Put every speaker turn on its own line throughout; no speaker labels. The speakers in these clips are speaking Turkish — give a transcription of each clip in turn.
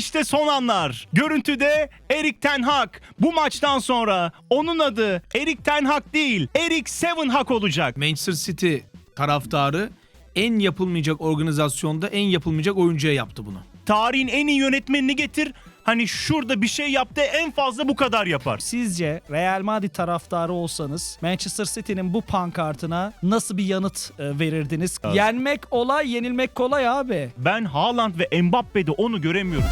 İşte son anlar. Görüntüde Erik ten Hag. Bu maçtan sonra onun adı Erik ten Hag değil, Erik Seven Hag olacak.
Manchester City taraftarı en yapılmayacak organizasyonda en yapılmayacak oyuncuya yaptı bunu.
Tarihin en iyi yönetmenini getir. Hani şurada bir şey yaptı, en fazla bu kadar yapar.
Sizce Real Madrid taraftarı olsanız Manchester City'nin bu pankartına nasıl bir yanıt verirdiniz?
Evet.
Yenmek olay, yenilmek kolay abi.
Ben Haaland ve Mbappe'de onu göremiyorum.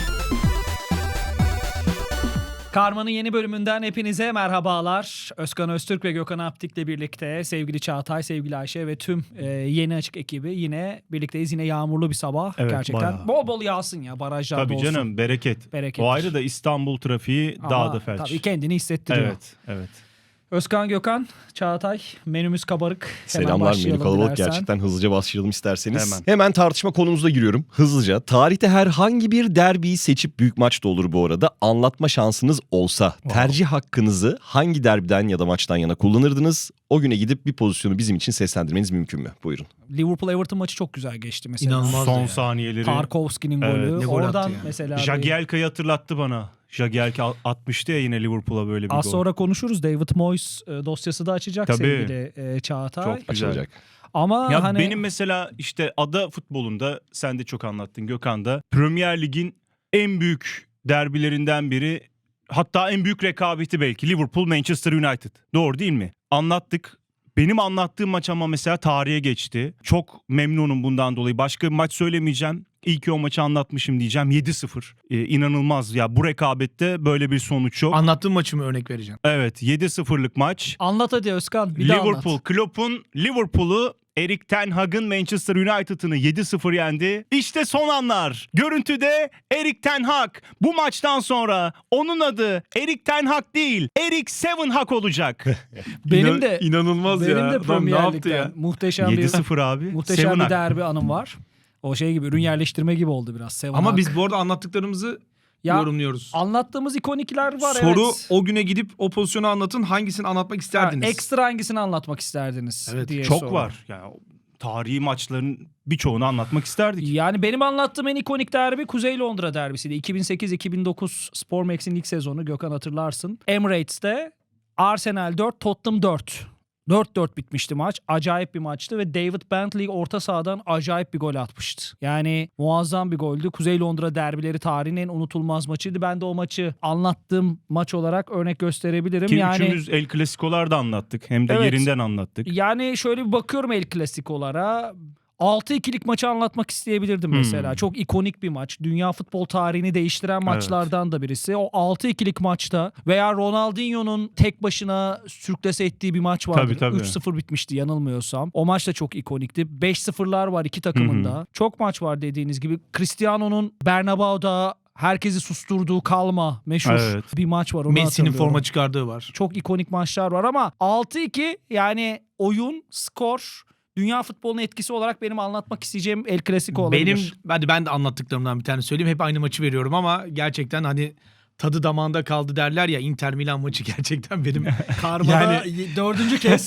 Karma'nın yeni bölümünden hepinize merhabalar. Özkan Öztürk ve Gökhan Aptik'le birlikte sevgili Çağatay, sevgili Ayşe ve tüm yeni açık ekibi yine birlikteyiz. Yine yağmurlu bir sabah.
Evet,
gerçekten.
bayağı.
Bol bol yağsın ya, barajlarda
Tabii
olsun.
canım, bereket.
Berekettir.
O ayrı da İstanbul trafiği
Ama
daha da felç.
tabii kendini hissettiriyor.
Evet, evet.
Özkan, Gökhan, Çağatay, menümüz kabarık. Hemen
Selamlar, menü
başlayalım
kalabalık
dilersen.
gerçekten. Hızlıca başlayalım isterseniz.
Hemen.
Hemen tartışma konumuza giriyorum hızlıca. Tarihte herhangi bir derbiyi seçip, büyük maç da olur bu arada, anlatma şansınız olsa tercih hakkınızı hangi derbiden ya da maçtan yana kullanırdınız? O güne gidip bir pozisyonu bizim için seslendirmeniz mümkün mü? Buyurun.
Liverpool-Everton maçı çok güzel geçti mesela.
İnanılmaz.
Son
ya.
saniyeleri.
Tarkovski'nin
Evet.
golü.
Ne gol attı
Oradan
ya.
mesela
Jagielka'yı hatırlattı bana. Jagielka atmıştı ya yine Liverpool'a böyle bir
az
gol.
sonra konuşuruz. David Moyes dosyası da açacak
Tabii.
sevgili Çağatay.
Çok güzel.
Açılacak.
Ama
Ya
hani
benim mesela işte ada futbolunda, sen de çok anlattın Gökhan da, Premier Lig'in en büyük derbilerinden biri, hatta en büyük rekabeti belki Liverpool Manchester United. Doğru değil mi? Anlattık. Benim anlattığım maç ama mesela tarihe geçti. Çok memnunum bundan dolayı. Başka bir maç söylemeyeceğim. İyi ki o maçı anlatmışım diyeceğim. 7-0. İnanılmaz ya, bu rekabette böyle bir sonuç yok.
Anlattığım maçı mı örnek vereceğim?
Evet, 7-0'lık maç.
anlat hadi Özkan, bir daha
Liverpool,
anlat.
Klopp'un Liverpool'u Erik ten Hag'ın Manchester United'ını 7-0 yendi. İşte son anlar. Görüntüde Erik ten Hag. Bu maçtan sonra onun adı Erik ten Hag değil, Erik Seven Hag olacak.
Benim de
inanılmaz
benim
ya.
de
Adam ne
Premier
yaptı
Lig'den
ya?
muhteşem bir
7-0 abi.
muhteşem
Seven
bir
Hag.
derbi anım var. O şey gibi, ürün yerleştirme gibi oldu biraz. Seven
Ama
Hag.
biz bu arada anlattıklarımızı
Ya,
yorumluyoruz.
anlattığımız ikonikler var.
Soru
evet.
o güne gidip o pozisyonu anlatın, hangisini anlatmak isterdiniz?
Ekstra hangisini anlatmak isterdiniz
Evet,
diye
Çok
soru.
var. Yani tarihi maçların birçoğunu anlatmak isterdik.
Yani benim anlattığım en ikonik derbi Kuzey Londra derbisiydi. 2008-2009 Spor Max'in ilk sezonu, Gökhan hatırlarsın. Emirates'te Arsenal 4, Tottenham 4. 4-4 bitmişti maç. Acayip bir maçtı ve David Bentley orta sahadan acayip bir gol atmıştı. Yani muazzam bir goldü. Kuzey Londra derbileri tarihin en unutulmaz maçıydı. Ben de o maçı anlattığım maç olarak örnek gösterebilirim.
Ki
yani
üçümüz El Clasico'lar da anlattık. Hem de
Evet.
yerinden anlattık.
Yani şöyle bir bakıyorum El Clasico'lara. 6-2'lik maçı anlatmak isteyebilirdim mesela. Çok ikonik bir maç. Dünya futbol tarihini değiştiren maçlardan da birisi. O 6-2'lik maçta veya Ronaldinho'nun tek başına sürklase ettiği bir maç vardı.
Tabii.
3-0 bitmişti yanılmıyorsam. O maç da çok ikonikti. 5-0'lar var iki takımın da. Çok maç var dediğiniz gibi. Cristiano'nun Bernabeu'da herkesi susturduğu kalma meşhur
Evet.
bir maç var. Onu
Messi'nin
hatırlıyorum.
forma çıkardığı var.
Çok ikonik maçlar var ama 6-2 yani oyun, skor, dünya futbolunun etkisi olarak benim anlatmak isteyeceğim El Clasico olabilir.
Ben de anlattıklarımdan bir tane söyleyeyim. Hep aynı maçı veriyorum ama gerçekten hani tadı damağında kaldı derler ya, Inter Milan maçı gerçekten benim
Karma'da
yani
4. kez.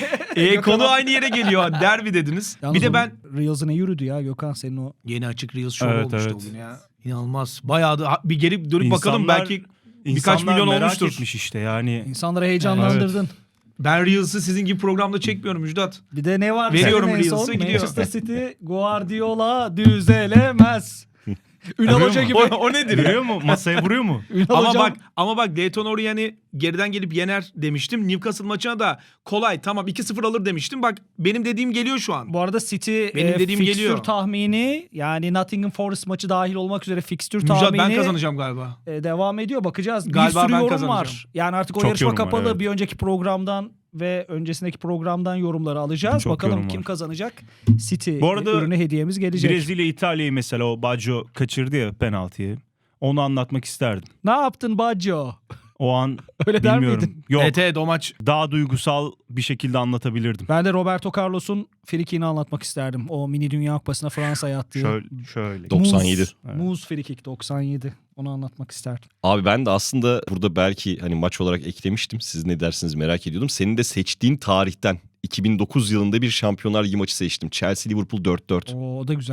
konu aynı yere geliyor. Derbi dediniz.
Yalnız
Bir de
o
ben
Reels'ı ne yürüdü ya Gökhan, senin o.
yeni açık Reels show
Evet,
olmuştu
evet.
o gün ya. İnanılmaz. Bayağı da bir geri dönüp bakalım,
İnsanlar-
belki birkaç
İnsanlar
milyon
merak
olmuştur.
etmiş işte yani.
İnsanları heyecanlandırdın.
Ben Reels'ı sizin gibi programda çekmiyorum Müjdat.
Bir de ne var?
Veriyorum
senin en son?
Reels'ı, gidiyor.
Manchester City Guardiola düzelemez. Ünal
Vuruyor
Hoca
mu?
gibi.
O nedir ya?
Vuruyor mu? Masaya vuruyor mu?
Ünal
Ama
Hocam-
bak Leyton Orient geriden gelip yener demiştim. Newcastle maçına da kolay, tamam 2-0 alır demiştim. Bak benim dediğim geliyor şu an.
Bu arada City
Benim dediğim
fikstür
geliyor.
tahmini, yani Nottingham Forest maçı dahil olmak üzere fikstür
Müjdat,
tahmini
ben kazanacağım galiba.
devam ediyor. Bakacağız.
Galiba
bir sürü
ben
yorum
kazanacağım.
var. Yani artık o
Çok
yarışma
yorum var,
kapalı.
evet.
Bir önceki programdan ve öncesindeki programdan yorumları alacağız.
Çok
Bakalım
yorum
kim
var.
kazanacak. City
Bu arada
ürünü hediyemiz gelecek.
Brezilya İtalya'yı mesela, o Baggio kaçırdı ya penaltıyı. Onu anlatmak isterdim.
Ne yaptın Baggio?
O an
Öyle der
bilmiyorum.
miydin?
Yok.
Evet o maç.
Daha duygusal bir şekilde anlatabilirdim.
Ben de Roberto Carlos'un frikini anlatmak isterdim. O mini Dünya Kupası'na Fransa'ya attığı.
Şöyle.
97.
Muz frikik 97. Onu anlatmak isterdim.
Abi ben de aslında burada belki hani maç olarak eklemiştim. Siz ne dersiniz merak ediyordum. Senin de seçtiğin tarihten 2009 yılında bir Şampiyonlar Ligi maçı seçtim. Chelsea Liverpool 4-4.
O da güzel.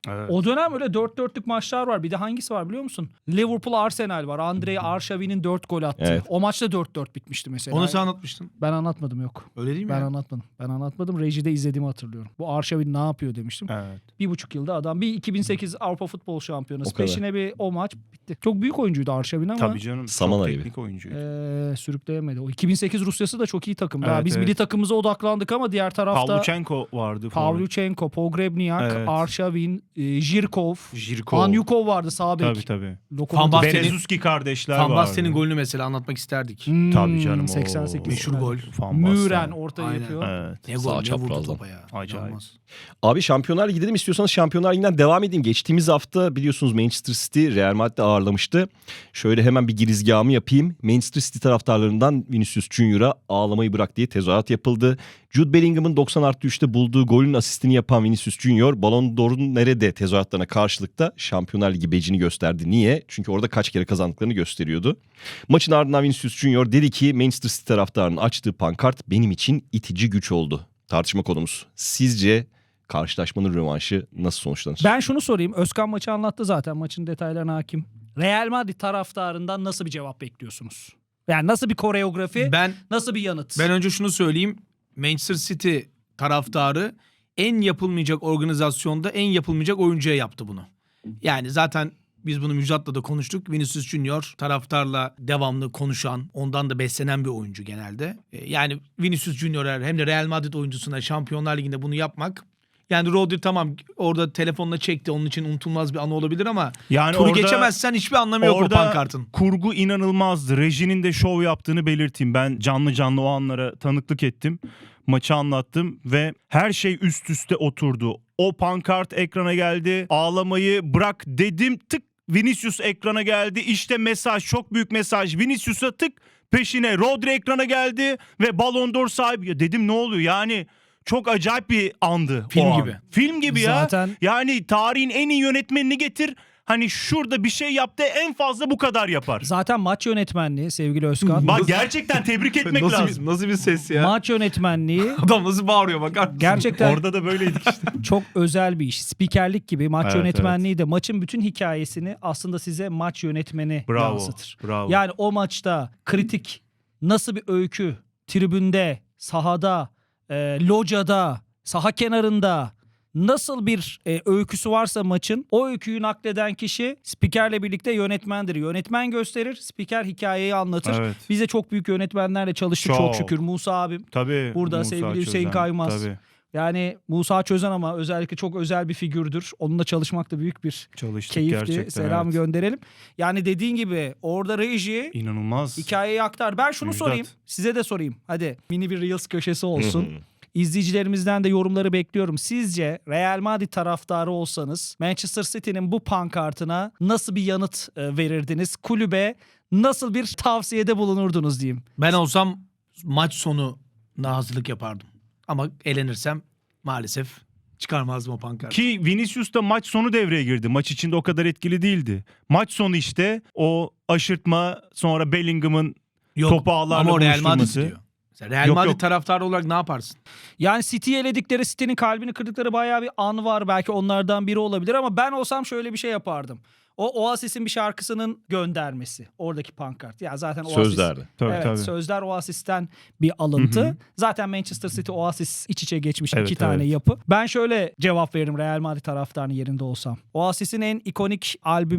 Evet.
O dönem öyle 4-4'lük maçlar var. Bir de hangisi var biliyor musun? Liverpool Arsenal var. Andrei Arshavi'nin 4 gol attığı.
Evet.
O maçta 4-4 bitmişti mesela.
Onu sen anlatmıştın.
Ben anlatmadım yok.
Öyle değil mi
Ben
ya?
anlatmadım. Ben anlatmadım. Rejide izlediğimi hatırlıyorum. Bu Arshavin ne yapıyor demiştim.
Evet.
1,5 yılda adam. Bir 2008 Avrupa Futbol Şampiyonası.
O kadar.
Peşine bir o maç bitti. Çok büyük oyuncuydu Arshavin ama
Tabii canım.
Samana
çok
gibi.
teknik oyuncuydu.
sürükleyemedi. O 2008 Rusyası da çok iyi takımdı.
Evet,
Biz
evet.
milli takımımıza odaklandık ama diğer tarafta
Pavlyuchenko vardı.
Pavlyuchenko, Pogrebnyak,
Evet.
Arshavin, Jirkov,
Jirkov.
Anyukov vardı sağ bek.
Tabii tabii.
Lokomotiv.
Van Basten'in-
Berezuski kardeşler
Van
vardı.
Basten'in golünü mesela anlatmak isterdik.
Tabii canım.
88.
Meşhur gol.
Van Basten.
Müren orta
Aynen.
yapıyor.
Evet.
Ne
Sağ
gol, ne vurdu
çaprazdan.
topa ya.
Acayip.
İnanılmaz.
Abi Şampiyonlar Ligi dedim, istiyorsanız Şampiyonlar Ligi'nden devam edeyim. Geçtiğimiz hafta biliyorsunuz Manchester City Real Madrid'i ağırlamıştı. Şöyle hemen bir girizgahımı yapayım. Manchester City taraftarlarından Vinicius Junior'a ağlamayı bırak diye tezahürat yapıldı. Jude Bellingham'ın 90+3'te bulduğu golün asistini yapan Vinicius Junior Ballon d'Or'un nerede tezahüratlarına karşılıkta Şampiyonlar Ligi becini gösterdi. Niye? Çünkü orada kaç kere kazandıklarını gösteriyordu. Maçın ardından Vinicius Junior dedi ki Manchester City taraftarının açtığı pankart benim için itici güç oldu. Tartışma konumuz. Sizce karşılaşmanın rövanşı nasıl sonuçlanır?
Ben şunu sorayım. Özkan maçı anlattı zaten. Maçın detaylarına hakim. Real Madrid taraftarından nasıl bir cevap bekliyorsunuz? Yani nasıl bir koreografi, nasıl bir yanıt?
Ben önce şunu söyleyeyim. Manchester City taraftarı en yapılmayacak organizasyonda en yapılmayacak oyuncuya yaptı bunu. Yani zaten biz bunu Müjdat'la da konuştuk. Vinicius Junior taraftarla devamlı konuşan, ondan da beslenen bir oyuncu genelde. Yani Vinicius Junior'a hem de Real Madrid oyuncusuna Şampiyonlar Ligi'nde bunu yapmak. Yani Rodri tamam orada telefonla çekti. Onun için unutulmaz bir anı olabilir ama
Yani
turu
orada-
geçemezsen hiçbir anlamı yok o
Orada
pankartın.
kurgu inanılmazdı. Rejinin de şov yaptığını belirteyim. Ben canlı o anlara tanıklık ettim. Maçı anlattım ve her şey üst üste oturdu. O pankart ekrana geldi. Ağlamayı bırak dedim. Tık Vinicius ekrana geldi. İşte mesaj, çok büyük mesaj. Vinicius'a tık peşine Rodri ekrana geldi ve Ballon d'Or sahibi. Ya dedim ne oluyor? Yani çok acayip bir andı.
Film
o an.
gibi.
Film gibi ya.
Zaten-
Yani tarihin en iyi yönetmenini getir. Hani şurada bir şey yaptı, en fazla bu kadar yapar.
Zaten maç yönetmenliği sevgili Özkan.
Bak gerçekten tebrik etmek lazım.
nasıl bir ses ya?
Maç yönetmenliği
Adam nasıl bağırıyor bakar mısın?
gerçekten
Orada da böyleydik işte.
çok özel bir iş. Spikerlik gibi maç
Evet,
yönetmenliği de maçın bütün hikayesini aslında size maç yönetmeni
Bravo.
yansıtır.
Bravo.
Yani o maçta kritik nasıl bir öykü tribünde, sahada, locada, saha kenarında nasıl bir öyküsü varsa maçın o öyküyü nakleden kişi spikerle birlikte yönetmendir. Yönetmen gösterir, spiker hikayeyi anlatır.
Evet.
Biz de çok büyük yönetmenlerle çalıştık çok,
Çok.
şükür. Musa abim.
Tabii.
Burada
Musa
sevgili Hüseyin
Çözen,
Kaymaz.
Tabii.
Yani Musa Çözen ama özellikle çok özel bir figürdür. Onunla çalışmak da büyük bir
Çalıştık
keyifti.
gerçekten.
Selam
evet.
gönderelim. Yani dediğin gibi orada reji
İnanılmaz.
hikayeyi aktar. Ben şunu
Müjdat.
sorayım. Size de sorayım. Hadi mini bir Reels köşesi olsun. İzleyicilerimizden de yorumları bekliyorum. Sizce Real Madrid taraftarı olsanız Manchester City'nin bu pankartına nasıl bir yanıt verirdiniz? Kulübe nasıl bir tavsiyede bulunurdunuz diyeyim.
Ben olsam maç sonu hazırlık yapardım. Ama elenirsem maalesef çıkarmazdım o pankartı.
Ki Vinicius da maç sonu devreye girdi. Maç içinde o kadar etkili değildi. Maç sonu işte o aşırtma, sonra Bellingham'ın
Yok,
topu ağlarla
ama o Real Madrid
buluşturması.
diyor. Mesela Real
Yok,
Madrid
yok.
taraftarı olarak ne yaparsın?
Yani City'yi eledikleri, City'nin kalbini kırdıkları bayağı bir an var. Belki onlardan biri olabilir ama ben olsam şöyle bir şey yapardım. O Oasis'in bir şarkısının göndermesi. Oradaki pankart. Ya zaten Oasis...
Sözlerdi.
Tabii,
Evet,
tabii.
sözler Oasis'ten bir alıntı.
Hı hı.
Zaten Manchester City Oasis iç içe geçmiş
Evet,
iki tane
evet.
yapı. Ben şöyle cevap veririm Real Madrid taraftarının yerinde olsam. Oasis'in en ikonik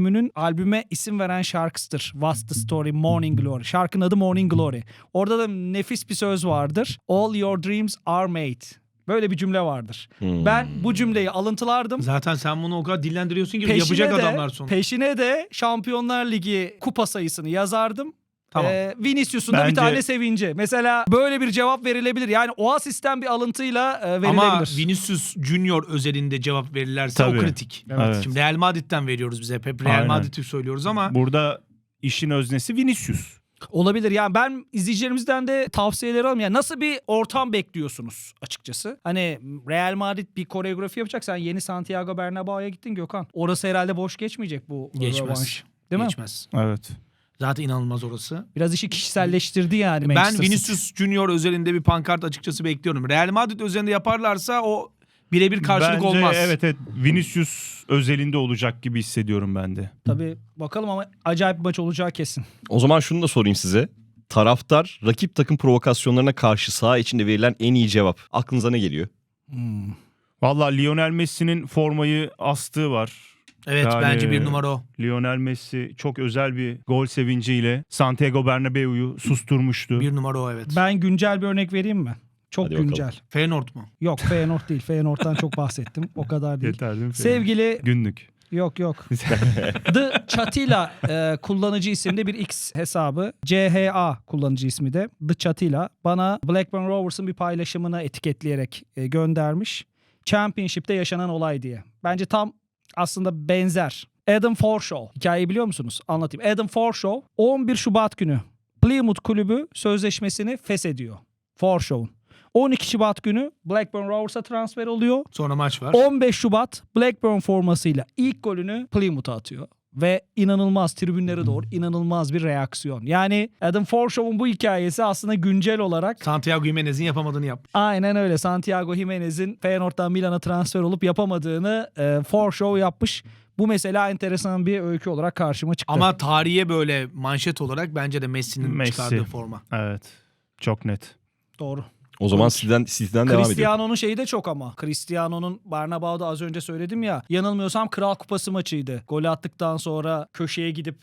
albüme isim veren şarkısıdır. What's the Story, Morning Glory. Şarkının adı Morning Glory. Orada da nefis bir söz vardır. All your dreams are made. Böyle bir cümle vardır. Ben bu cümleyi alıntılardım.
Zaten sen bunu o kadar dillendiriyorsun ki yapacak adamlar sonra.
Peşine de Şampiyonlar Ligi kupa sayısını yazardım.
Tamam.
Vinicius'un da bir
Bence-
tane sevinci. Mesela böyle bir cevap verilebilir. Yani Oasis'ten bir alıntıyla verilebilir.
Ama Vinicius Junior özelinde cevap verirlerse
Tabii.
o kritik.
Evet.
Şimdi Real Madrid'den veriyoruz biz hep. Real
Aynen.
Madrid'i söylüyoruz ama
Burada işin öznesi Vinicius.
Olabilir. Yani ben izleyicilerimizden de tavsiyeleri alayım. Yani nasıl bir ortam bekliyorsunuz açıkçası? Hani Real Madrid bir koreografi yapacak. Sen yeni Santiago Bernabéu'ya gittin Gökhan. Orası herhalde boş geçmeyecek bu
geçmez.
rövanş. Değil mi?
Geçmez.
Evet.
Zaten inanılmaz orası.
Biraz işi kişiselleştirdi yani
Ben
Manchester City.
Vinicius Junior özelinde bir pankart açıkçası bekliyorum. Real Madrid özelinde yaparlarsa o birebir karşılık
Bence
olmaz.
evet Vinicius özelinde olacak gibi hissediyorum ben de.
Tabii bakalım ama acayip bir maç olacağı kesin.
O zaman şunu da sorayım size. Taraftar rakip takım provokasyonlarına karşı saha içinde verilen en iyi cevap. Aklınıza ne geliyor?
Vallahi Lionel Messi'nin formayı astığı var.
Evet
Yani-
bence bir numara o.
Lionel Messi çok özel bir gol sevinciyle Santiago Bernabeu'yu susturmuştu.
Bir numara o evet.
Ben güncel bir örnek vereyim mi? Çok
Hadi bakalım.
güncel.
Feyenoord mu?
Yok Feyenoord değil. Feyenoord'dan çok bahsettim. O kadar değil.
Yeter değil mi?
Sevgili
Günlük.
yok. The Chatila kullanıcı isimli bir X hesabı. CHA kullanıcı ismi de. The Chatila bana Blackburn Rovers'ın bir paylaşımını etiketleyerek göndermiş. Championship'te yaşanan olay diye. Bence tam aslında benzer. Adam Forshaw. Hikayeyi biliyor musunuz? Anlatayım. Adam Forshaw 11 Şubat günü Plymouth kulübü sözleşmesini feshediyor. Forshaw'un. 12 Şubat günü Blackburn Rovers'a transfer oluyor.
Sonra maç var.
15 Şubat Blackburn formasıyla ilk golünü Plymouth'a atıyor. Ve inanılmaz tribünlere doğru inanılmaz bir reaksiyon. Yani Adam Forshaw'un bu hikayesi aslında güncel olarak
Santiago Jimenez'in yapamadığını yap.
aynen öyle. Santiago Jimenez'in Feyenoord'dan Milan'a transfer olup yapamadığını Forshaw yapmış. Bu mesela enteresan bir öykü olarak karşıma çıktı.
Ama tarihe böyle manşet olarak bence de Messi'nin
Messi.
çıkardığı forma.
Evet. Çok net.
Doğru.
O zaman City'den devam ediyor.
Cristiano'nun şeyi de çok ama. Cristiano'nun Bernabeu'da az önce söyledim ya. Yanılmıyorsam Kral Kupası maçıydı. Golü attıktan sonra köşeye gidip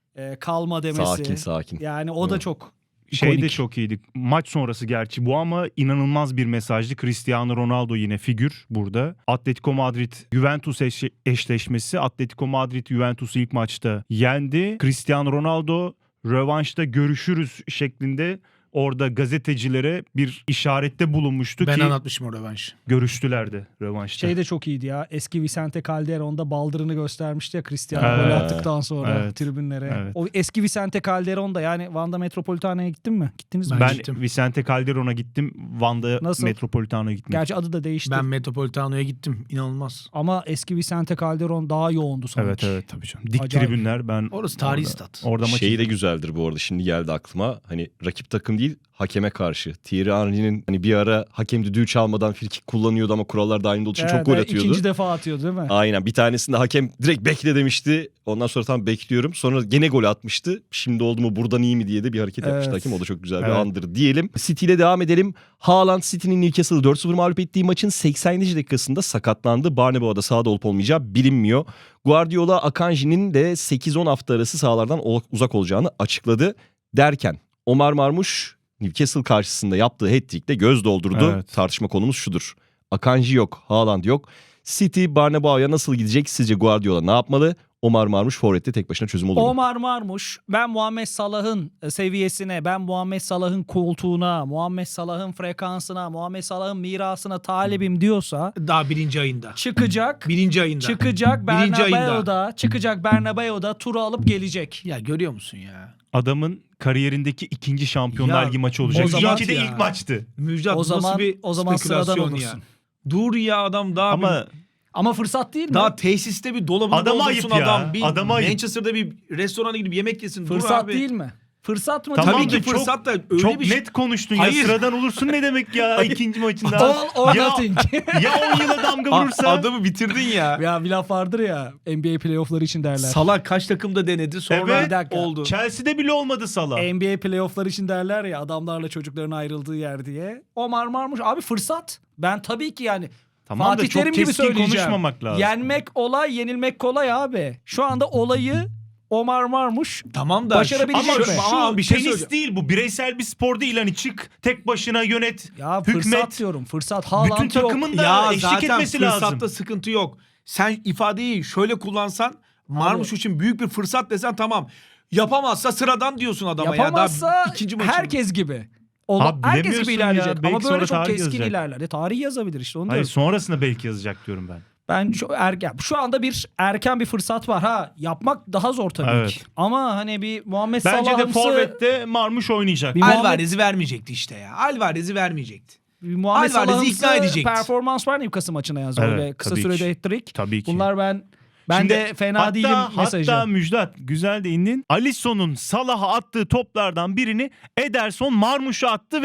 kalma demesi.
Sakin.
Yani o da
Evet.
çok
Şey de
ikonik.
çok iyiydi. Maç sonrası gerçi bu ama inanılmaz bir mesajdı. Cristiano Ronaldo yine figür burada. Atletico Madrid Juventus eşleşmesi. Atletico Madrid Juventus'u ilk maçta yendi. Cristiano Ronaldo rövanşta görüşürüz şeklinde orada gazetecilere bir işarette bulunmuştu
Ben
ki
anlatmışım o rövanşı.
görüştüler de rövanşta.
Şey de çok iyiydi ya. Eski Vicente Calderon'da baldırını göstermişti ya Cristiano
Evet.
golü attıktan sonra
Evet.
tribünlere.
Evet.
O eski Vicente Calderon da yani Vanda Metropolitano'ya gittin mi? Gittiniz mi?
Ben
Ben
gittim.
Vicente Calderon'a gittim. Van'da
Nasıl?
Metropolitano'ya gittim.
Gerçi adı da değişti.
Ben Metropolitano'ya gittim. İnanılmaz.
Ama eski Vicente Calderon daha yoğundu sanki.
Evet tabii canım. Dik
Acayip.
tribünler ben
Orası tarihi stat.
Orada maç
Şeyi de güzeldir bu arada, şimdi geldi aklıma. Hani rakip takım değil, hakeme karşı. Thierry Henry'nin hani bir ara hakem düdüğü çalmadan frikik kullanıyordu ama kurallar dahilinde olduğu için çok gol atıyordu.
İkinci defa atıyordu değil mi?
Aynen, bir tanesinde hakem direkt bekle demişti. Ondan sonra tam bekliyorum. Sonra gene gol atmıştı. Şimdi oldu mu buradan iyi mi diye de bir hareket yapmıştı
Evet.
hakem. O da çok güzel bir
Evet.
andır diyelim. City ile devam edelim. Haaland City'nin Newcastle'ı 4-0 mağlup ettiği maçın 80. dakikasında sakatlandı. Barnabeu'da sahada olup olmayacağı bilinmiyor. Guardiola Akanji'nin de 8-10 hafta arası sahalardan uzak olacağını açıkladı. Derken Omar Marmuş Newcastle karşısında yaptığı hat-trick'te göz doldurdu.
Evet.
Tartışma konumuz şudur: Akanji yok, Haaland yok. City Barnabeu'ya nasıl gidecek? Sizce Guardiola ne yapmalı? Omar Marmuş forvette tek başına çözüm olur mu?
Omar Marmuş ben Muhammed Salah'ın seviyesine, ben Muhammed Salah'ın koltuğuna, Muhammed Salah'ın frekansına, Muhammed Salah'ın mirasına talibim diyorsa
Daha birinci ayında.
çıkacak.
Birinci ayında.
Çıkacak
Birinci ayında.
Bernabeu'da turu alıp gelecek.
Ya görüyor musun ya?
adamın kariyerindeki ikinci Şampiyonlar
Ya,
Ligi maçı olacak.
o zaman-
İlki de
ya.
ilk maçtı.
Müjdat
O zaman
nasıl bir
sıradan
spekülasyon
olursun.
ya. Dur ya adam daha
Ama
Ama fırsat değil mi?
daha tesiste bir dolabını
Adama
doldursun
ayıp ya.
adam. Bir
Adama ayıp.
Manchester'da bir restorana gidip yemek yesin. Dur
fırsat
abi.
değil mi? Fırsat mı?
Tamam
Tabii
da
ki
çok-
fırsat da öyle
çok
bir şey.
net konuştun
Hayır.
ya. Sıradan olursun ne demek ya ikinci maçında.
All or
ya,
nothing.
ya 10 yıla damga vurursa.
Adamı bitirdin ya.
Ya bir laf vardır ya NBA playoffları için derler.
Salah kaç takımda denedi sonra
Evet.
Bir dakika.
oldu.
Chelsea'de bile olmadı Salah.
NBA playoffları için derler ya adamlarla çocukların ayrıldığı yer diye. Omar Marmuş abi fırsat. Ben tabii ki yani
Tamam da
Fatih
çok
Terim gibi
keskin
söyleyeceğim.
konuşmamak lazım.
Yenmek olay, yenilmek kolay abi. Şu anda olayı Omar Marmuş
Tamam da
Başarabilecek
Ama
mi?
şu
bir şey
tenis
söyleyeceğim.
değil bu. Bireysel bir spor değil. Hani çık tek başına yönet.
ya
hükmet.
fırsat diyorum. Fırsat Haaland
Bütün
yok.
takımın da
Ya
eşlik
zaten
etmesi
fırsatta
lazım.
sıkıntı yok. Sen ifadeyi şöyle kullansan Marmuş için büyük bir fırsat desen tamam. Yapamazsa sıradan diyorsun adama
Yapamazsa
ya. Daha ikinci maçın.
herkes gibi.
Abi
Herkes
bilemiyorsun
gibi
ya.
ilerleyecek.
Belki
Ama
sonra
böyle çok
tarih
keskin
yazacak.
ilerler. Tarih yazabilir işte onu
Hayır
diyorum.
sonrasında belki yazacak diyorum ben.
Ben şu anda bir erken bir fırsat var ha. Yapmak daha zor tabii
Evet.
ki. Ama hani bir Muhammed
Bence de
Salah'ımsı
forvette Marmuş oynayacak.
Bir Muhammed-
Alvarez'i vermeyecekti işte ya. Alvarez'i vermeyecekti.
bir Muhammed
Alvarez'i
Salah'ımsı
ikna edecekti.
performans var Newcastle maçına yazdı.
Evet,
Öyle kısa
tabii
sürede
ki.
hat-trick.
Tabii ki.
Bunlar ben
Şimdi
de fena değilim mesajı.
Hatta Müjdat güzel değindin. Alisson'un Salah'a attığı toplardan birini Ederson Marmuş'a attı ve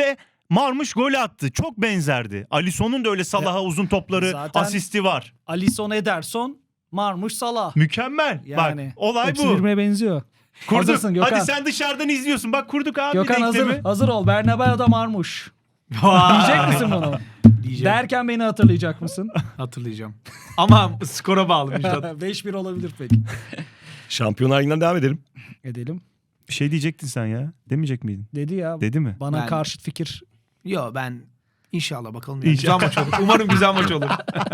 Marmuş gol attı. Çok benzerdi. Alisson'un da öyle Salah'a uzun topları,
zaten-
asisti var.
Alisson, Ederson, Marmuş, Salah.
Mükemmel.
Yani
Bak olay
hepsi
bu.
birbirine benziyor.
Kurduk.
Hazırsın Gökhan.
Hadi sen dışarıdan izliyorsun. Bak kurduk abi
Gökhan
denklemi.
hazır ol. Bernabeu'da Marmuş.
Vay.
Diyecek misin bunu?
Diyeceğim.
Derken beni hatırlayacak mısın?
Hatırlayacağım. Ama skora bağlı Müjdat.
5-1 olabilir peki.
Şampiyonlar Ligi'nden devam edelim.
Edelim.
Bir şey diyecektin sen ya. Demeyecek miydin?
Dedi ya.
Dedi mi?
Bana
Ben-
karşıt fikir.
Yo ben inşallah bakalım. Ya.
İnşallah.
Güzel maç olur. Umarım güzel maç olur.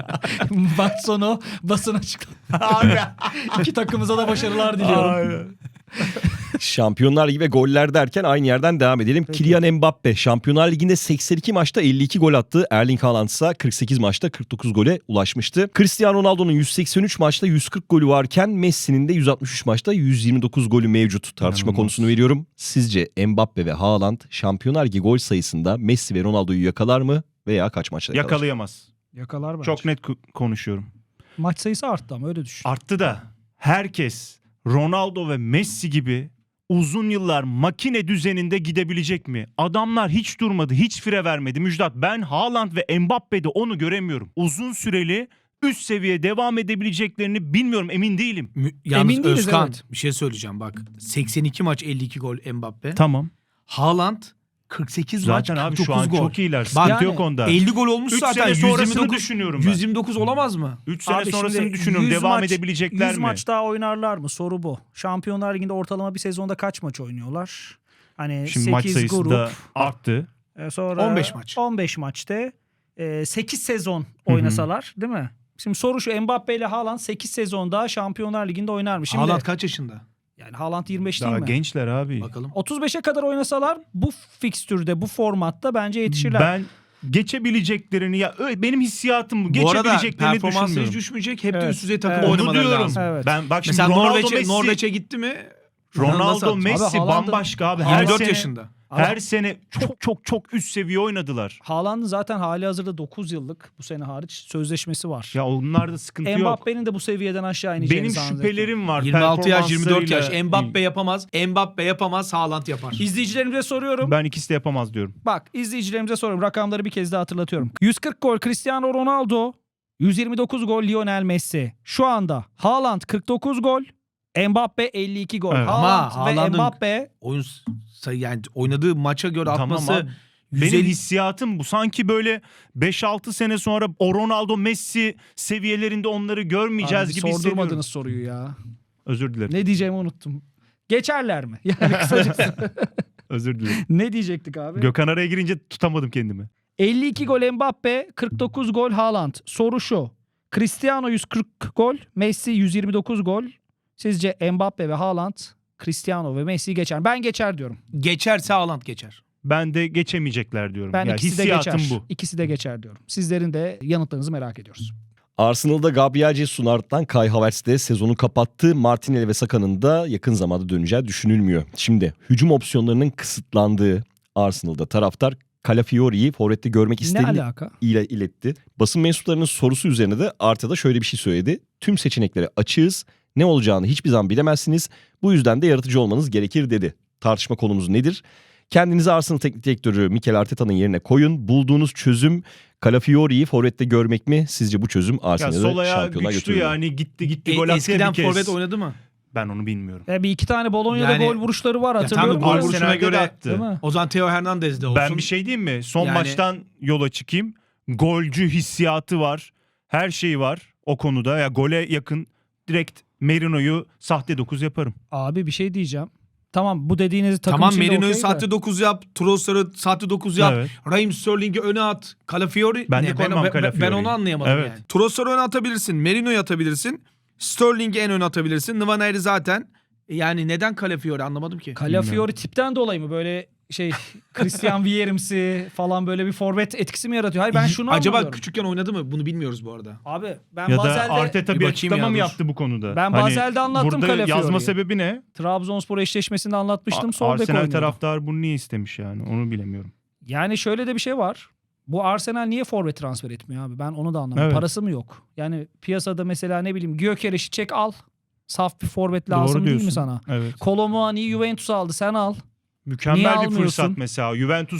Maç sonu basın açıkladı.
Abi.
İki takımıza da başarılar diliyorum.
Şampiyonlar Ligi ve goller derken aynı yerden devam edelim. Kylian Mbappe Şampiyonlar Ligi'nde 82 maçta 52 gol attı. Erling Haaland ise 48 maçta 49 gole ulaşmıştı. Cristiano Ronaldo'nun 183 maçta 140 golü varken Messi'nin de 163 maçta 129 golü mevcut. Tartışma
İnanılmaz.
konusunu veriyorum. Sizce Mbappe ve Haaland Şampiyonlar Ligi gol sayısında Messi ve Ronaldo'yu yakalar mı veya kaç maçta yakalar?
Yakalayamaz.
Yakalar bence.
Çok net konuşuyorum.
Maç sayısı arttı ama öyle düşün.
Arttı da herkes Ronaldo ve Messi gibi uzun yıllar makine düzeninde gidebilecek mi? Adamlar hiç durmadı, hiç fire vermedi. Müjdat, ben Haaland ve Mbappe'de onu göremiyorum. Uzun süreli üst seviye devam edebileceklerini bilmiyorum, emin değilim.
Yalnız
Emin değiliz,
Özkan
evet.
bir şey söyleyeceğim bak. 82 maç 52 gol Mbappe.
Tamam.
Haaland 48
Zaten
maç
abi
49
şu an
gol.
çok iyiler. Sıkıntı
Yani
yok onda.
50 gol olmuş
3
zaten.
sene sonrasını
129,
düşünüyorum ben.
129 olamaz mı?
3 sene
Abi
sonrasını
şimdi
düşünüyorum.
100
Devam
maç-
edebilecekler
100
mi?
maç daha oynarlar mı? Soru bu. Şampiyonlar Ligi'nde ortalama bir sezonda kaç maç oynuyorlar? Hani
Şimdi maç
8
sayısı
grup.
da arttı.
Sonra
15 maç.
15 maçta 8 sezon oynasalar değil mi? Şimdi soru şu, Mbappe ile Haaland 8 sezon daha Şampiyonlar Ligi'nde oynar mı? Şimdi
Haaland kaç yaşında?
yani Haaland 25
Daha
değil mi?
gençler abi.
Bakalım.
35'e kadar oynasalar bu fikstürde, bu formatta bence yetişirler.
Ben geçebileceklerini benim hissiyatım bu.
Bu arada
Geçebileceklerini
performansı hiç
düşünmüyorum.
düşmeyecek. Hep de
Evet.
üst düzey takım
Evet.
Onu
oynamaları
diyorum.
lazım.
Evet.
Ben bak şimdi
Mesela
Ronaldo,
Norveç'e gitti mi?
Ronaldo,
Nasıl
Messi
Abi Haaland'ın-
bambaşka abi.
24
sene,
yaşında.
Her sene çok üst seviye oynadılar.
Haaland'ın zaten hali hazırda 9 yıllık bu sene hariç sözleşmesi var.
Ya onlarda sıkıntı yok.
Mbappe'nin de bu seviyeden aşağı ineceğini
Benim
zannediyorum.
şüphelerim var.
26 yaş 24 yaş.
performanslarıyla.
Mbappe yapamaz. Mbappe yapamaz. Haaland yapar.
İzleyicilerimize soruyorum.
Ben ikisi de yapamaz diyorum.
Bak izleyicilerimize soruyorum. Rakamları bir kez daha hatırlatıyorum. 140 gol Cristiano Ronaldo. 129 gol Lionel Messi. Şu anda Haaland 49 gol. Mbappe 52 gol.
Evet.
Haaland
Ama
ve
Haaland'ın-
Mbappe
Oyun yani oynadığı maça göre
Tamam
atması
abi. Benim
150
hissiyatım bu. Sanki böyle 5-6 sene sonra o Ronaldo Messi seviyelerinde onları görmeyeceğiz
Abi,
gibi hissediyorum.
sordurmadınız soruyu ya.
Özür dilerim.
Ne diyeceğimi unuttum. Geçerler mi? Yani kısacası.
Özür dilerim.
Ne diyecektik abi?
Gökhan araya girince tutamadım kendimi.
52 gol Mbappe, 49 gol Haaland. Soru şu. Cristiano 140 gol, Messi 129 gol. Sizce Mbappe ve Haaland, Cristiano ve Messi geçer. Ben geçer diyorum.
geçerse Haaland geçer.
Ben de geçemeyecekler diyorum.
Ben
Yani
ikisi de
hissiyatım
geçer.
bu.
İkisi de geçer diyorum. Sizlerin de yanıtlarınızı merak ediyoruz.
Arsenal'da Gabriel Jesus'un ardından Kai Havertz de sezonu kapattı. Martinelli ve Saka'nın da yakın zamanda döneceği düşünülmüyor. Şimdi hücum opsiyonlarının kısıtlandığı Arsenal'da taraftar Calafiori'yi forvette görmek
Ne
istediğini
alaka?
iletti. Basın mensuplarının sorusu üzerine de Arteta şöyle bir şey söyledi. Tüm seçeneklere açığız. Ne olacağını hiçbir zaman bilemezsiniz. Bu yüzden de yaratıcı olmanız gerekir dedi. Tartışma konumuz nedir? Kendinizi Arsenal teknik direktörü Mikel Arteta'nın yerine koyun. Bulduğunuz çözüm Calafiori'yi forvette görmek mi? Sizce bu çözüm
Ya
Arsenal'ı
sol ayağı
şampiyonluğa
güçlü
götürür mü?
yani gitti gol attı
Eskiden
bir kez.
forvet oynadı mı?
Ben onu bilmiyorum.
Bir iki tane Bolonya'da
Yani-
gol vuruşları var
Ya
hatırlıyorum.
tamam, gol
Arsenal-
vuruşuna
Arsenal'de de
göre-
attı.
Değil mi?
O zaman Theo Hernandez de olsun.
Ben bir şey diyeyim mi? Son
Yani-
maçtan yola çıkayım. Golcü hissiyatı var. Her şeyi var o konuda. Ya gole yakın direkt Merino'yu sahte 9 yaparım.
Abi bir şey diyeceğim. Tamam bu dediğiniz takım
Tamam
içinde
Merino'yu
okey de.
sahte 9 yap. Trossard'ı sahte 9 yap.
Evet.
Raheem Sterling'i öne at. Calafiori.
Ben de
Ne?
koymam
ben
Calafiori'yi.
onu anlayamadım
Evet.
yani. Trossard'ı öne atabilirsin. Merino'yu atabilirsin. Sterling'i en öne atabilirsin. Nwaneri zaten. Yani neden Calafiori anlamadım ki.
Calafiori tipten dolayı mı böyle şey Christian Vierimsi falan böyle bir forvet etkisi mi yaratıyor? Hayır ben şunu
Acaba
anlamıyorum.
küçükken oynadı mı? Bunu bilmiyoruz bu arada.
Abi ben
Ya da
Basel'de
Arteta
Bir
bir
bakayım
açıklama
ya,
mı
dur.
yaptı bu konuda?
Ben Basel'de anlattım
Burada
Calafiori'yi.
yazma sebebi ne?
Trabzonspor eşleşmesinde anlatmıştım. Sol bek
Arsenal
oynuyordu.
taraftar bunu niye istemiş yani? Onu bilemiyorum.
Yani şöyle de bir şey var. Bu Arsenal niye forvet transfer etmiyor abi? Ben onu da anlamadım.
Evet.
Parası mı yok? Yani piyasada mesela ne bileyim Gyökeres'i çek al. Saf bir forvet lazım
Doğru
değil mi
diyorsun.
sana?
Evet.
Kolo Muani'yi Juventus aldı sen al. Niye
Mükemmel bir
almıyorsun?
fırsat mesela. Juventus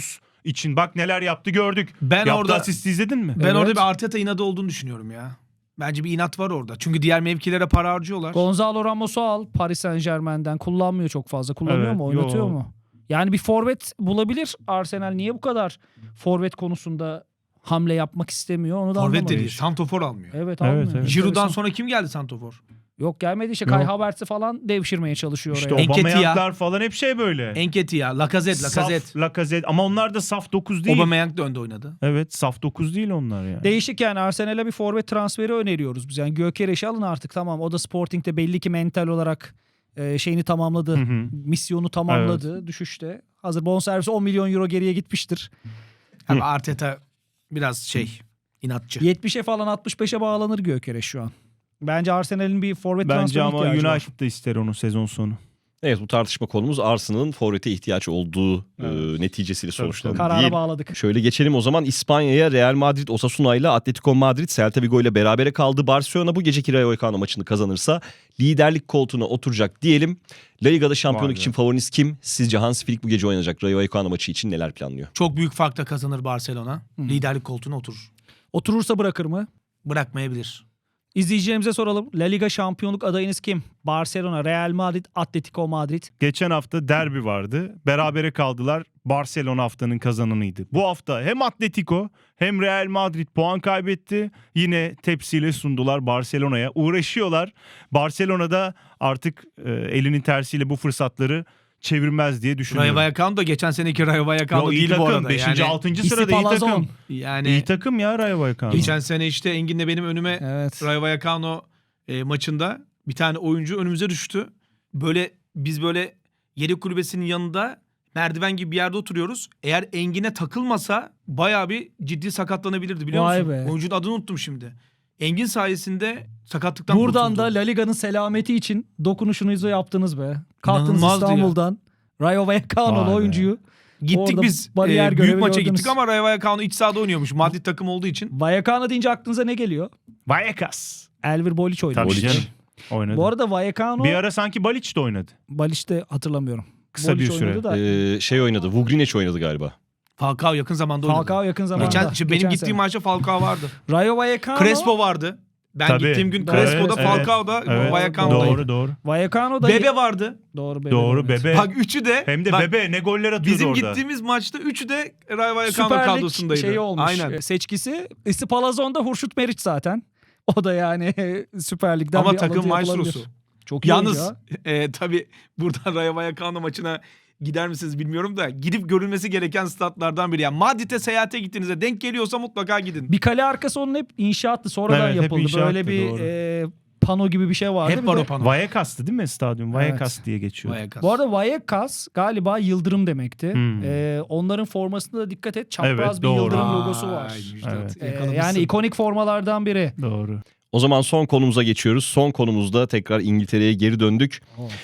için. Bak neler yaptı gördük.
Ben
Yaptığı
orada
asisti izledin mi?
ben
Evet.
orada bir Arteta inadı olduğunu düşünüyorum ya. Bence bir inat var orada. Çünkü diğer mevkilere para harcıyorlar.
Gonzalo Ramos'u al Paris Saint-Germain'den. Kullanmıyor çok fazla. Kullanıyor
Evet,
mu? Oynatıyor
yo.
mu? Yani bir forvet bulabilir Arsenal. Niye bu kadar forvet konusunda hamle yapmak istemiyor? Onu da
Forvet
anlamadım.
dediği santofor almıyor.
Evet,
Evet,
almıyor.
evet.
Giroud'dan
Enteresan.
sonra kim geldi santofor?
Yok gelmedi işte. Kai
Yok.
Havertz'i falan devşirmeye çalışıyor
İşte
oraya.
Aubameyang'lar falan hep şey böyle.
Enketia, Lacazette.
Saf Lacazette ama onlar da saf 9 değil.
Aubameyang da önde oynadı.
Evet, saf 9 değil onlar yani.
Değişik yani Arsenal'e bir forvet transferi öneriyoruz biz. Yani Gyökeres'i alın artık tamam. O da Sporting'de belli ki mental olarak şeyini tamamladı.
Hı hı.
Misyonu tamamladı düşüşte. Hazır bonservisi 10 milyon euro geriye gitmiştir.
Abi Arteta biraz inatçı.
70'e falan 65'e bağlanır Gyökeres şu an. Bence Arsenal'in bir forvet
Bence
transferi
ama
ihtiyacı var.
United da ister onu sezon sonu.
Evet, bu tartışma konumuz Arsenal'ın forvete ihtiyaç olduğu neticesiyle
Tabii,
sonuçlandı.
Karara
Değil.
bağladık.
Şöyle geçelim o zaman İspanya'ya. Real Madrid Osasuna ile Atletico Madrid Celta Vigo ile berabere kaldı. Barcelona bu geceki Rayo Vallecano maçını kazanırsa liderlik koltuğuna oturacak diyelim. La Liga'da şampiyonluk
Vay be.
için favoriniz kim? Sizce Hans Flick bu gece oynanacak Rayo Vallecano maçı için neler planlıyor?
Çok büyük farkla kazanır Barcelona. Liderlik koltuğuna oturur.
Oturursa bırakır mı?
Bırakmayabilir.
İzleyicilerimize soralım. La Liga şampiyonluk adayınız kim? Barcelona, Real Madrid, Atletico Madrid.
Geçen hafta derbi vardı. Berabere kaldılar. Barcelona haftanın kazananıydı. Bu hafta hem Atletico hem Real Madrid puan kaybetti. Yine tepsiyle sundular Barcelona'ya. Uğraşıyorlar. Barcelona'da artık elinin tersiyle bu fırsatları çevirmez diye düşünüyorum.
Rayo Vallecano da geçen seneki Rayo Vallecano
Yo, iyi
değil bu
takım.
arada.
5.
Yani,
6. sırada iyi
Palazon.
takım.
yani
İyi takım ya Rayo Vallecano.
geçen sene işte Engin'le benim önüme
Evet.
Rayo Vallecano maçında bir tane oyuncu önümüze düştü. Biz böyle yedek kulübesinin yanında merdiven gibi bir yerde oturuyoruz. Eğer Engin'e takılmasa bayağı bir ciddi sakatlanabilirdi biliyor
Vay
musun?
be.
Oyuncunun adını unuttum şimdi. Engin sayesinde sakatlıktan
Buradan
kurtuldu.
da La Liga'nın selameti için dokunuşunuzu yaptınız be. Kalktınız
İnanılmazdı ya.
İstanbul'dan. Rayo Vallecano'lu
Vay be.
oyuncuyu.
Gittik
Orada
biz
bariyer
büyük
görevi
maça
gördünüz.
gittik ama Rayo Vallecano iç sahada oynuyormuş. Madrid takım olduğu için.
Vallecano deyince aklınıza ne geliyor?
Vallecas.
Elvir Boliç oynadı.
Tabii
Boliç.
canım. Oynadı.
Bu arada Vallecano
Bir ara sanki Balic de oynadı.
Baliç'te hatırlamıyorum.
Kısa
Boliç
bir süre.
oynadı da.
Şey oynadı. Vugrinec oynadı galiba.
Falcao yakın zamanda oynadı.
Falcao yakın zamanda.
Benim gittiğim maçta Falcao vardı.
Rayo Vallecano.
Crespo vardı. Ben
Tabii.
gittiğim gün
Doğru.
Crespo'da
Evet,
Falcao'da
Evet.
Vallecano'daydı.
Doğru.
Vallecano da
Bebe vardı.
Doğru Bebe.
Doğru
oynadı.
Bebe.
Bak üçü de
Hem de
bak,
Bebe ne goller atıyordu
bizim
orada.
gittiğimiz maçta üçü de Rayo Vallecano
Süper Lig
kadrosundaydı.
şeyi olmuş.
Aynen.
Seçkisi. İsti Palazon'da Hurşut Meriç zaten. O da yani Süper Lig'den
Ama
bir
takım
alıntı yapılabilir.
maestrosu.
Çok iyi
Yalnız
oyuncu ha.
tabii buradan Rayo Vallecano maçına gider misiniz bilmiyorum da gidip görülmesi gereken statlardan biri. Yani Madrid'e seyahate gittiğinizde denk geliyorsa mutlaka gidin.
Bir kale arkası onun hep inşaattı. Sonradan
Evet, hep
yapıldı.
inşaattı,
Böyle bir
doğru.
pano gibi bir şey vardı.
Hep
Bir
var
de-
o pano.
Vallecas'tı değil mi stadyum? Vallecas diye geçiyor.
Vallecas.
Bu arada Vallecas galiba yıldırım demekti.
Hmm.
Onların formasında da dikkat et. Çapraz
Evet,
bir
doğru.
yıldırım
Vay,
logosu var.
Müjdat,
Evet.
yakalamışsın.
Yani ikonik formalardan biri.
Doğru.
O zaman son konumuza geçiyoruz. Son konumuzda tekrar İngiltere'ye geri döndük.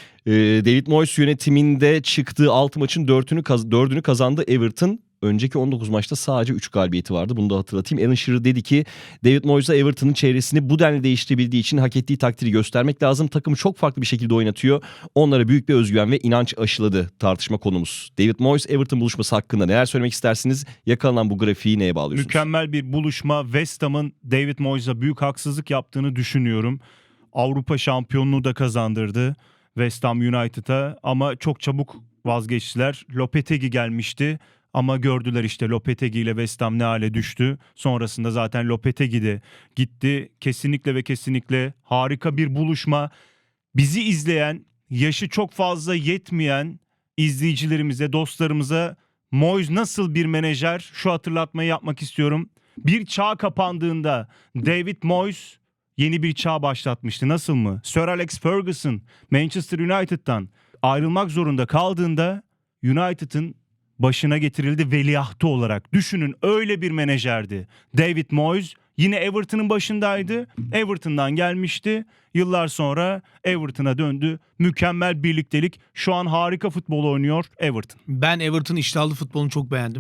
David Moyes yönetiminde çıktığı 6 maçın 4'ünü kazandı Everton. Önceki 19 maçta sadece 3 galibiyeti vardı. Bunu da hatırlatayım. Alan Shearer dedi ki David Moyes'a Everton'ın çevresini bu denli değiştirebildiği için hak ettiği takdiri göstermek lazım. Takımı çok farklı bir şekilde oynatıyor. Onlara büyük bir özgüven ve inanç aşıladı tartışma konumuz. David Moyes Everton buluşması hakkında neler söylemek istersiniz? Yakalanan bu grafiği neye bağlıyorsunuz?
Mükemmel bir buluşma. West Ham'ın David Moyes'a büyük haksızlık yaptığını düşünüyorum. Avrupa şampiyonluğu da kazandırdı West Ham United'a ama çok çabuk vazgeçtiler. Lopetegui gelmişti ama gördüler işte Lopetegui ile West Ham ne hale düştü. Sonrasında zaten Lopetegui de gitti. Kesinlikle ve kesinlikle harika bir buluşma. Bizi izleyen, yaşı çok fazla yetmeyen izleyicilerimize, dostlarımıza Moyes nasıl bir menajer, şu hatırlatmayı yapmak istiyorum. Bir çağ kapandığında David Moyes yeni bir çağ başlatmıştı. Nasıl mı? Sir Alex Ferguson Manchester United'dan ayrılmak zorunda kaldığında United'ın başına getirildi veliahtı olarak. Düşünün, öyle bir menajerdi. David Moyes yine Everton'ın başındaydı. Everton'dan gelmişti. Yıllar sonra Everton'a döndü. Mükemmel birliktelik. Şu an harika futbol oynuyor Everton.
Ben Everton iştahlı futbolunu çok beğendim.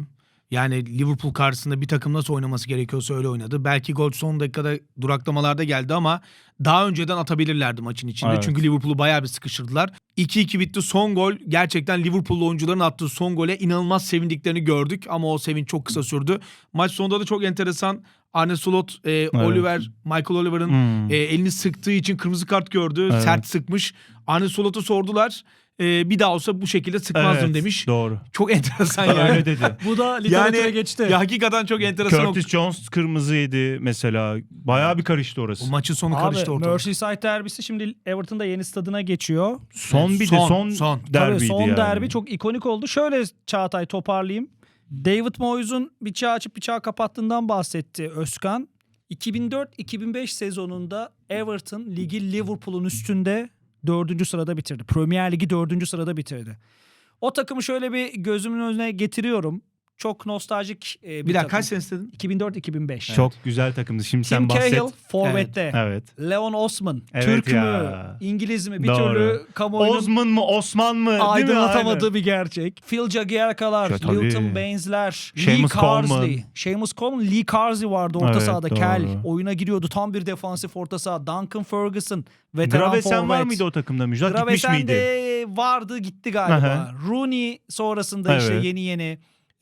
Yani Liverpool karşısında bir takım nasıl oynaması gerekiyorsa öyle oynadı. Belki gol son dakikada duraklamalarda geldi ama daha önceden atabilirlerdi maçın içinde.
Evet.
Çünkü Liverpool'u bayağı bir sıkıştırdılar. 2-2 bitti. Son gol gerçekten Liverpool'lu oyuncuların attığı son gole inanılmaz sevindiklerini gördük. Ama o sevinç çok kısa sürdü. Maç sonunda da çok enteresan. Arne Slot, Michael Oliver'ın elini sıktığı için kırmızı kart gördü.
Evet.
Sert sıkmış. Arne Slot'a sordular. Bir daha olsa bu şekilde sıkmazdım
Evet,
demiş.
Doğru.
Çok enteresan yani.
Öyle dedi.
Bu da literatüre
Yani
geçti.
ya hakikaten çok enteresan.
Curtis Jones kırmızı yedi mesela. Bayağı bir karıştı orası.
O maçın sonu
Abi
karıştı ortalık.
Merseyside derbisi şimdi Everton'da yeni stadına geçiyor.
Son bir
Son.
de
Tabii
derbiydi
son
yani.
derbi çok ikonik oldu. Şöyle Çağatay toparlayayım. David Moyes'un bir çağ açıp bir çağ kapattığından bahsetti Özkan. 2004-2005 sezonunda Everton ligi Liverpool'un üstünde 4. sırada bitirdi. Premier Ligi 4. sırada bitirdi. O takımı şöyle bir gözümün önüne getiriyorum. Çok nostaljik bir
Bir dakika
takım.
kaç senesi dedin?
2004-2005.
Çok güzel takımdı. Şimdi
Tim
sen bahset.
Cahill forvette.
Evet.
Leon Osman.
Evet
Türk
ya.
mü? İngiliz mi? Bir
Doğru.
türlü kamuoyunun
Osman mı Osman mı? Değil mi?
aydınlatamadığı
Aynen.
bir gerçek. Phil Jagielka'lar,
Ya, tabii.
Lilton Baines'ler, Lee
Seamus Coleman.
Carsley. Seamus Coleman, Lee Carsley vardı orta
Evet,
sahada.
doğru.
Kel. Oyuna giriyordu. Tam bir defansif orta saha. Duncan Ferguson. Veteran
Gravesen
forvet.
var mıydı o takımda Müjdat? Gitmiş
Gravesen
miydi?
de vardı, gitti galiba.
Aha.
Rooney sonrasında işte
Evet.
yeni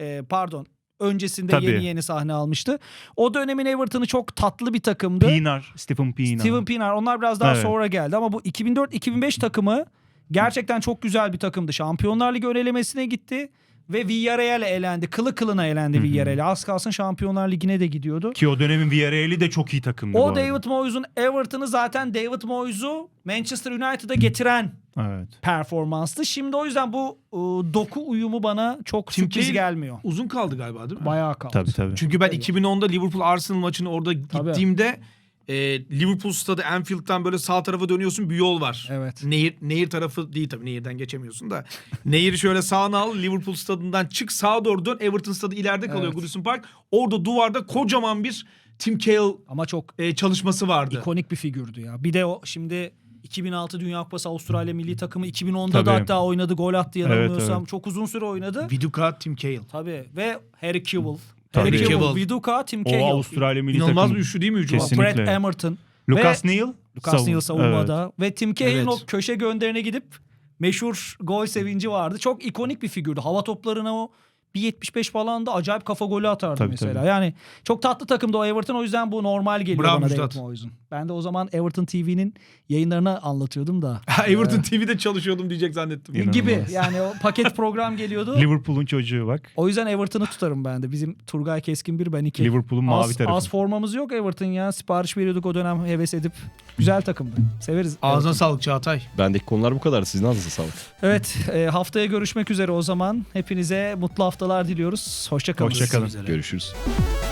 öncesinde
Tabii.
yeni sahne almıştı. O dönemin Everton'ı çok tatlı bir takımdı.
Stephen Pienaar.
Steven Pienaar, onlar biraz daha
Evet.
sonra geldi ama bu 2004-2005 takımı gerçekten çok güzel bir takımdı. Şampiyonlar Ligi ön elemesine gitti ve Villarreal elendi. Kılı kılına elendi Villarreal. Az kalsın Şampiyonlar Ligi'ne de gidiyordu.
Ki o dönemin Villarreal'i de çok iyi takımdı bu
O
arada.
David Moyes'un Everton'ı zaten David Moyes'u Manchester United'a getiren
Evet.
performanstı. Şimdi o yüzden bu doku uyumu bana çok
Tim
sürpriz
Cahill
gelmiyor.
Uzun kaldı galiba değil mi?
Bayağı kaldı.
Tabii.
Çünkü ben
Tabii.
2010'da Liverpool Arsenal maçını orada gittiğimde Liverpool stadı Anfield'dan böyle sağ tarafa dönüyorsun, bir yol var.
Evet.
Nehir tarafı değil tabii, nehirden geçemiyorsun da. Nehiri şöyle sağına al, Liverpool stadından çık, sağa doğru dön. Everton stadı ileride kalıyor,
Evet.
Goodison Park. Orada duvarda kocaman bir Tim Cahill
Ama çok
çalışması vardı.
ikonik bir figürdü ya. Bir de o şimdi 2006 Dünya Kupası Avustralya milli takımı 2010'da
Tabii.
da hatta oynadı, gol attı yanılmıyorsam.
Evet.
Çok uzun süre oynadı.
Viduka, Tim Cahill.
Tabii ve Harry Kewell.
Tabii.
Harry Kewell,
Cahill.
Viduka, Tim
O
Cahill.
Avustralya milli
İnanılmaz
takımı.
bir üçlü değil mi hücum?
Kesinlikle.
Brett Emerton.
Lucas
Ve
Neal.
Lucas Neal savunmada.
Evet.
Ve Tim Cahill'in
Evet.
o köşe gönderine gidip meşhur gol sevinci vardı. Çok ikonik bir figürdü. Hava toplarına o 1.75 falan da acayip kafa golü atardı
Tabii,
mesela.
tabii.
Yani çok tatlı takımdı o Everton. O yüzden bu normal geliyor
Bravo
bana
Müjdat.
David Moyes'un. Ben de o zaman Everton TV'nin yayınlarını anlatıyordum da.
Everton TV'de çalışıyordum diyecek zannettim.
İnanılmaz.
Gibi yani o paket program geliyordu.
Liverpool'un çocuğu bak.
O yüzden Everton'ı tutarım ben de. Bizim Turgay Keskin 1, ben 2.
Liverpool'un mavi tarafı.
Az formamız yok Everton ya. Sipariş veriyorduk o dönem, heves edip. Güzel takımdı. Severiz.
Ağzına
Everton.
sağlık Çağatay.
Bendeki konular bu kadar. Sizin ağzınıza sağlık.
Evet, haftaya görüşmek üzere o zaman. Hepinize mutlu haftalar diliyoruz. Hoşça kalın.
Hoşça kalın.
Üzere.
Görüşürüz.